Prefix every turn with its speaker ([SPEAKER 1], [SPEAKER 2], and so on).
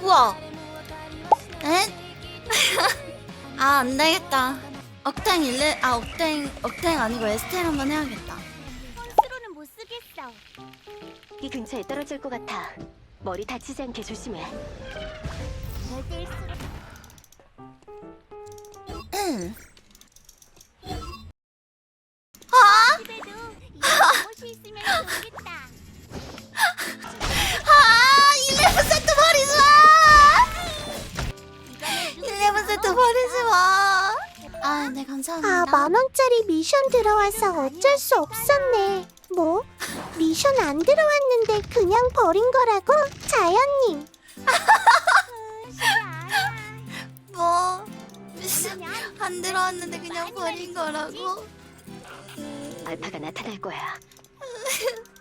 [SPEAKER 1] 우와. 에? 아, 안 되겠다. 억탱 억탱 아니고 에스텔 한번 해야겠다.
[SPEAKER 2] 혼수로는 못 쓰겠어.
[SPEAKER 3] 이 근처에 떨어질 것 같아. 머리 다치지 않게 조심해.
[SPEAKER 2] 절대
[SPEAKER 1] 아!
[SPEAKER 2] 집에도 이런 옷이 있으면 좋겠다.
[SPEAKER 1] 아! 11세트 버리지 마! 11세트 버리지 마! 아, 네, 감사합니다.
[SPEAKER 4] 만원짜리 미션 들어와서 어쩔 수 없었네. 뭐? 미션 안 들어왔는데 그냥 버린 거라고? 자연님.
[SPEAKER 1] 뭐? 안 들어왔는데 그냥 버린 거라고?
[SPEAKER 3] 알파가 나타날 거야.